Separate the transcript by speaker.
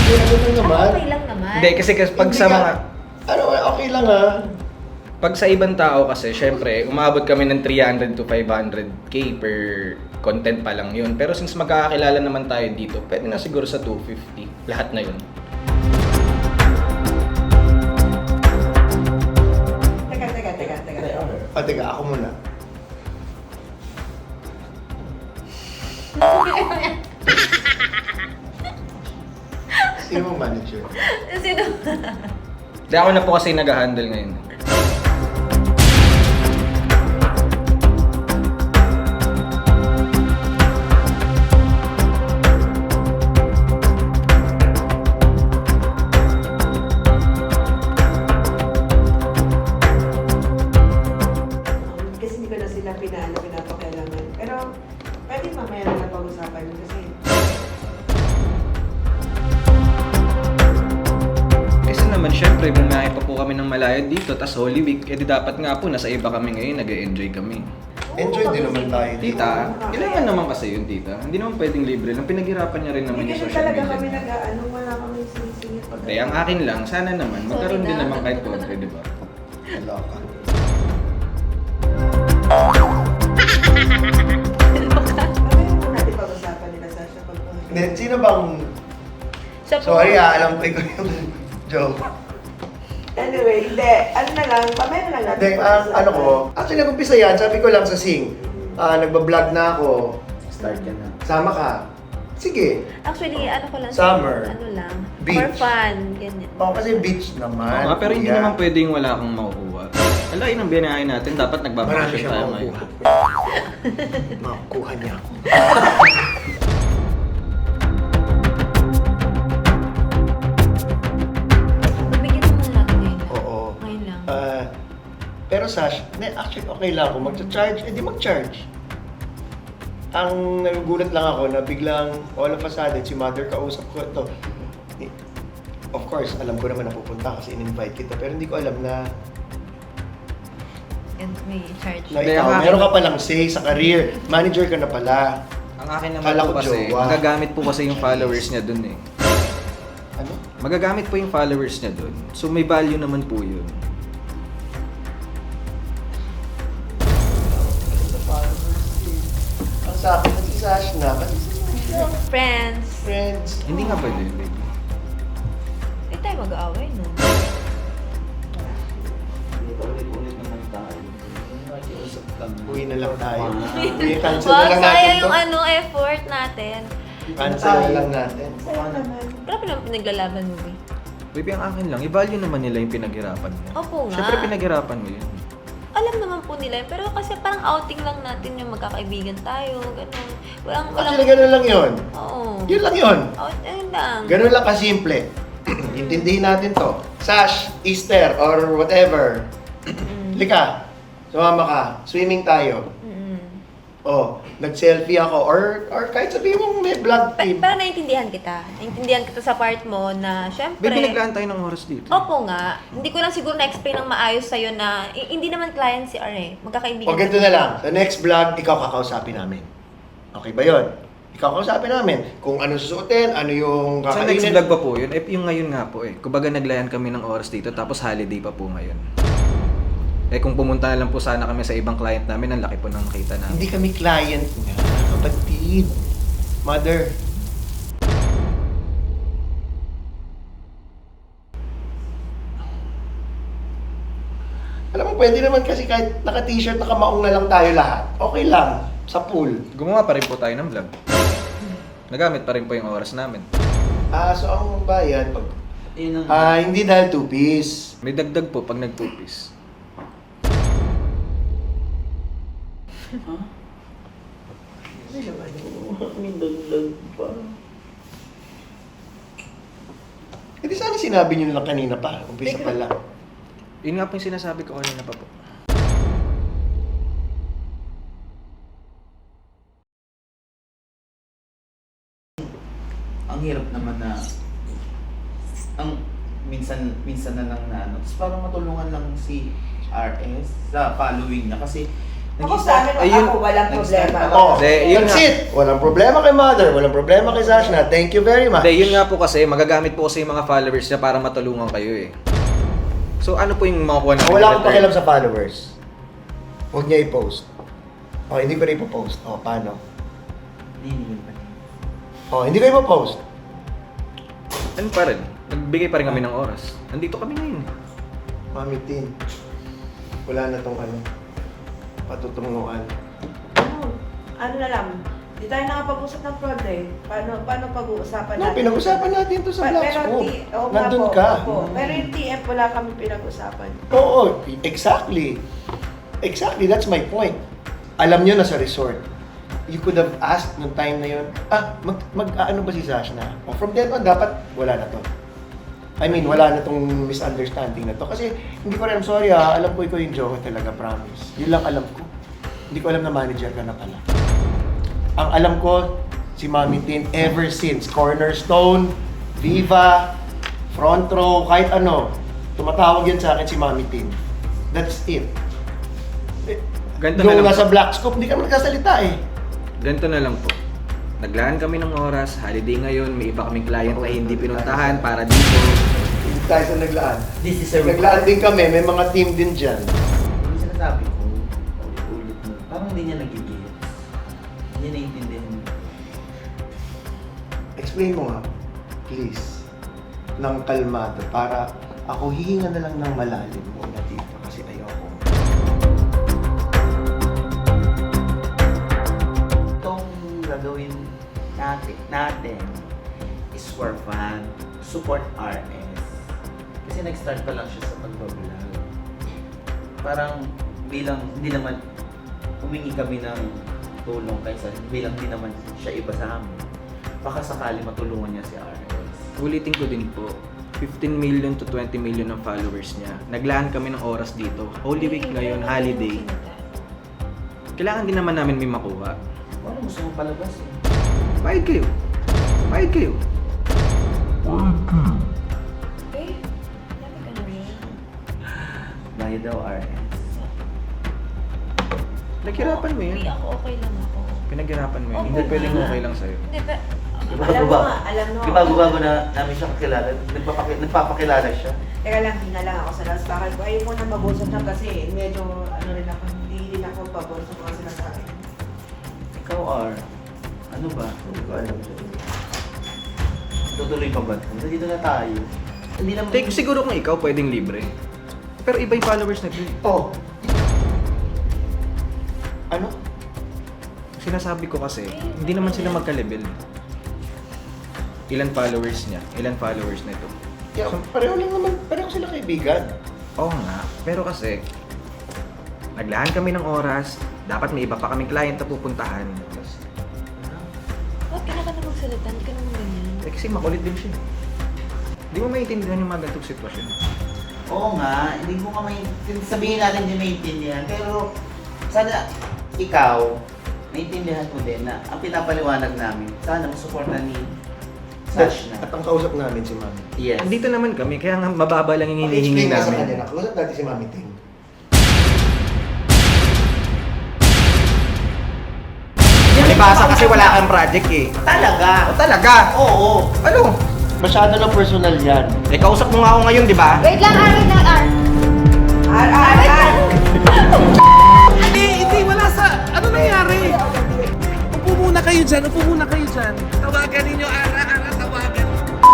Speaker 1: Ano lang naman?
Speaker 2: Okay lang naman.
Speaker 3: Hindi, kasi pag
Speaker 1: Hindi
Speaker 3: sa
Speaker 1: ka-
Speaker 3: mga...
Speaker 1: Ano, okay lang ha.
Speaker 3: Pag sa ibang tao kasi, syempre, umabot kami ng 300 to 500k per content pa lang yun. Pero since magkakakilala naman tayo dito, pwede na siguro sa 250. Lahat na yun.
Speaker 1: O, teka, ako muna. Sino mo manager?
Speaker 2: Sino?
Speaker 3: Hindi ako na po kasi nag-handle ngayon.
Speaker 4: Kasi hindi ko na sila pinapakailangan. Pero, pwede mamaya na napag-usapan yun kasi
Speaker 3: Kasi naman, syempre, bumiyahe pa po kami ng malayo dito, tas Holy Week, edi dapat nga po, nasa iba kami ngayon, nag-e-enjoy kami.
Speaker 1: Enjoy din naman tayo dito.
Speaker 3: Tita, kailangan naman kasi yun, tita. Hindi naman pwedeng libre lang. Pinaghirapan niya rin naman
Speaker 4: hindi
Speaker 3: yung
Speaker 4: kasi
Speaker 3: social
Speaker 4: talaga kami
Speaker 3: media.
Speaker 4: nag-ano, wala kami sinisingit.
Speaker 3: Hindi, ang akin lang, sana naman, magkaroon din naman kahit konti, di ba?
Speaker 1: Wala ka.
Speaker 4: Mamaya mo natin pag-usapan nila Sasha pag
Speaker 1: Hindi, sino bang...
Speaker 2: Siya po.
Speaker 1: Sorry alam ko yung joke.
Speaker 4: Anyway, hindi. Ano na lang, mamaya na lang natin
Speaker 1: Hindi, ano ko, actually nag-umpisa yan, sabi ko lang sa Sing, nagbablog na ako,
Speaker 5: Start ka na.
Speaker 1: sama ka. Sige.
Speaker 2: Actually, ano ko lang.
Speaker 1: Summer.
Speaker 2: Ano lang.
Speaker 1: Beach.
Speaker 2: For fun. Ganyan.
Speaker 1: Oo, kasi beach naman.
Speaker 3: Oo nga, pero hindi
Speaker 1: kuya.
Speaker 3: naman pwedeng wala akong makukuha. Alain ang binahay natin, dapat
Speaker 1: Marami
Speaker 3: nagbabakasyon
Speaker 1: siya
Speaker 3: tayo ngayon.
Speaker 1: makukuha. Makukuha niya ako.
Speaker 2: Pagbigyan naman natin ngayon.
Speaker 1: Oo.
Speaker 2: Ngayon lang.
Speaker 1: Pero Sash, actually okay lang ako. Mag-charge, edi mag-charge. Ang nagugulat lang ako na biglang all of a sudden si mother kausap ko ito. Of course, alam ko naman na pupunta kasi in-invite kita. Pero hindi ko alam na
Speaker 2: And may charge.
Speaker 3: Hindi,
Speaker 1: ikaw,
Speaker 3: ang akin-
Speaker 1: meron ka palang say sa career. Manager ka na pala.
Speaker 3: Ang akin naman
Speaker 1: Kala
Speaker 3: po
Speaker 1: ko
Speaker 3: kasi,
Speaker 1: jowa.
Speaker 3: magagamit po kasi yung followers niya dun eh.
Speaker 1: Ano?
Speaker 3: Magagamit po yung followers niya dun. So may value naman po yun.
Speaker 1: Ang sa akin, si Sash na. Kasi
Speaker 2: Friends.
Speaker 1: friends.
Speaker 3: Hindi nga pwede, baby.
Speaker 2: Hindi tayo mag-aaway, no?
Speaker 5: Ulit-ulit naman tayo. Nakiusap lang.
Speaker 1: Uwi na lang tayo.
Speaker 5: Ah.
Speaker 1: Uwi, cancel na
Speaker 2: Wow,
Speaker 1: lang natin
Speaker 2: sayang
Speaker 1: to.
Speaker 2: yung ano, effort natin.
Speaker 1: Cancel na lang natin.
Speaker 4: Sayang naman.
Speaker 2: Grabe naman pinaglalaban mo, eh.
Speaker 3: Baby, ang akin lang, i-value naman nila yung pinaghirapan mo.
Speaker 2: Opo nga.
Speaker 3: Siyempre pinaghirapan mo yun.
Speaker 2: Alam naman po nila yun, pero kasi parang outing lang natin yung magkakaibigan tayo, gano'n. Walang,
Speaker 1: Actually, ganun lang yun.
Speaker 2: Oo.
Speaker 1: Yun lang yun.
Speaker 2: Ayun lang.
Speaker 1: Ganun lang kasimple. Intindihin natin to. Sash, Easter, or whatever. Lika, sumama ka. Swimming tayo.
Speaker 2: Mm.
Speaker 1: Oh, nag-selfie ako. Or kahit sabihin mong may vlog team.
Speaker 2: Pero naiintindihan kita. Naiintindihan kita sa part mo na, syempre...
Speaker 3: Baby, naglaan tayo ng oras dito.
Speaker 2: Opo nga. Hindi ko lang siguro na-explain ng maayos sa'yo na hindi naman client si R eh. Magkakaibigan.
Speaker 1: O ganito na lang. Sa next vlog, ikaw kakausapin namin. Okay ba yun? Ikaw kakausapin namin. Kung ano susuotin, ano yung
Speaker 3: Sa next
Speaker 1: kakainin.
Speaker 3: vlog pa po yun, eh, yung ngayon nga po eh. Kumbaga naglayan kami ng oras dito, tapos holiday pa po ngayon. Eh kung pumunta na lang po sana kami sa ibang client namin, ang laki po ng nakita namin.
Speaker 1: Hindi kami client nga, kapatid. Mother. Alam mo, pwede naman kasi kahit naka-t-shirt, naka-maong na lang tayo lahat. Okay lang, sa pool.
Speaker 3: Gumawa pa rin po tayo ng vlog. Nagamit pa rin po yung oras namin.
Speaker 1: So ang bayan, pag,
Speaker 5: Yun ang...
Speaker 1: hindi dahil two-piece.
Speaker 3: May dagdag po pag nag-two-piece.
Speaker 5: Ha? May dagdag pa.
Speaker 1: Hindi sana sinabi nyo lang kanina pa, umpisa pa lang.
Speaker 3: Yun nga po yung sinasabi ko kanina pa po.
Speaker 5: Ang hirap naman na... Ang minsan na lang na ano. Tapos parang matulungan lang si RS sa following niya. Kasi
Speaker 4: Ako sa amin,
Speaker 3: Ayun.
Speaker 4: ako walang problema.
Speaker 1: Oh,
Speaker 3: Hindi, yun
Speaker 1: that's
Speaker 3: nga.
Speaker 1: it. Walang problema kay Mother, walang problema kay Sashna. Thank you very much.
Speaker 3: Hindi, yun nga po kasi, magagamit po kasi yung mga followers niya para matulungan kayo eh. So ano po yung makukuha namin?
Speaker 1: Wala akong pakialam sa followers. Huwag niya i-post. Oh, hindi ko na ipopost. Oh, paano?
Speaker 5: Hindi pa.
Speaker 1: Oh, hindi ko ipopost.
Speaker 3: Ano pa rin? Nagbigay pa rin kami ng oras. Nandito kami ngayon.
Speaker 1: Mami Tin, wala na tong patutunguan.
Speaker 4: Ano na lang, di tayo nakapag-usap ng fraud eh. Paano pag-uusapan
Speaker 1: No, pinag-usapan natin to sa Black Scope.
Speaker 4: oo nga
Speaker 1: Nandun
Speaker 4: po,
Speaker 1: ka.
Speaker 4: opo. Pero yung TF wala kami pinag-usapan.
Speaker 1: Oo, exactly. Exactly, that's my point. Alam nyo na sa resort, you could have asked nung time na yun, ano ba si Sashna? O from then on, dapat wala na to. I mean, wala na tong misunderstanding na to. Kasi hindi ko rin, I'm sorry alam ko ikaw yung joke talaga, promise. Yun lang alam ko. Hindi ko alam na manager ka na pala. Ang alam ko, si Mami Tin, ever since, Cornerstone, Viva, Front Row, kahit ano, tumatawag yan sa akin si Mami Tin. That's it.
Speaker 3: Ganito na
Speaker 1: Nung
Speaker 3: lang
Speaker 1: nasa
Speaker 3: po.
Speaker 1: Black Scope, hindi ka magkasalita eh.
Speaker 3: Ganito na lang po. Naglaan kami ng oras, holiday ngayon, may iba kaming client na hindi pinuntahan para dito.
Speaker 1: Hindi tayo sa naglaan.
Speaker 5: This is a
Speaker 1: Naglaan din kami, may mga team din dyan.
Speaker 5: Yung sinasabi ko, ulit-ulit mo, parang hindi niya nagigil. Hindi naiintindihan mo.
Speaker 1: Explain mo nga, please, ng kalmado para ako hihinga na lang ng malalim muna dito kasi ayoko.
Speaker 5: Itong gagawin natin is for fun, support RS. Kasi nag-start pa lang siya sa pagbablog. Parang bilang, hindi naman, humingi kami ng tulong kaysa bilang hindi naman siya iba sa amin. Baka sakali matulungan niya si RS.
Speaker 3: Ulitin ko din po, 15 million to 20 million ang followers niya. Naglaan kami ng oras dito. Holy Week ngayon, holiday. Kailangan din naman namin may makuha.
Speaker 5: Ano gusto mo palabas eh?
Speaker 3: Bayad kayo. Bayad kayo.
Speaker 2: Eh, dami ka naman.
Speaker 5: Bayad daw RS.
Speaker 3: Naghirapan mo
Speaker 2: Hindi
Speaker 3: yun.
Speaker 2: ako, okay lang ako.
Speaker 3: Pinaghirapan mo yun.
Speaker 2: Oo
Speaker 3: Hindi
Speaker 2: nga.
Speaker 3: pwedeng okay lang sa'yo.
Speaker 2: Hindi, pero...
Speaker 4: Alam mo nga, alam mo.
Speaker 5: Bago-bago na namin siya kakilala. Nagpapakilala siya.
Speaker 4: Teka lang, hindi na lang ako sa last bakal ko. Ayaw mo na mabusap na kasi medyo ano rin ako, hindi din ako pabor sa mga sinasabi.
Speaker 5: Ikaw R, ano ba?
Speaker 1: Hindi ko alam.
Speaker 5: Tutuloy pa ba? Dito na tayo. Hindi naman...
Speaker 3: Take, siguro kung ikaw pwedeng libre. Pero iba yung followers na ito.
Speaker 1: Oh! Ano?
Speaker 3: Sinasabi ko kasi, hindi naman sila magka-level. Ilan followers niya? Ilan followers na ito?
Speaker 1: Yeah, pareho lang naman, pareho sila kaibigan.
Speaker 3: Oo nga, pero kasi naglaan kami ng oras, dapat may iba pa kaming client na pupuntahan.
Speaker 2: Bakit ka na magsalita? Hindi ka naman ganyan.
Speaker 3: Eh, kasi makulit din siya. Hindi mo maintindihan yung mga ganitong sitwasyon.
Speaker 5: Oo nga, hindi mo ka may... Sabihin natin hindi maintindihan, pero sana ikaw, maintindihan mo din na ang pinapaliwanag namin, sana masuporta ni Sashna.
Speaker 1: At ang kausap namin si Mami.
Speaker 5: Yes.
Speaker 3: Andito naman kami, kaya nga mababa lang yung hinihingi
Speaker 1: Explain nga sa
Speaker 3: namin.
Speaker 1: kanya na, kausap natin si Mami Ting.
Speaker 3: Nalibasa kasi wala kang project eh.
Speaker 5: Talaga?
Speaker 3: O talaga?
Speaker 5: Oo.
Speaker 3: Ano?
Speaker 1: Masyado na personal yan.
Speaker 3: Eh, kausap mo nga ako ngayon, di ba?
Speaker 2: Wait lang, wait lang,
Speaker 6: Hindi, wala sa... Ano nangyari? Upo muna kayo dyan, Tawagan ninyo, Ara.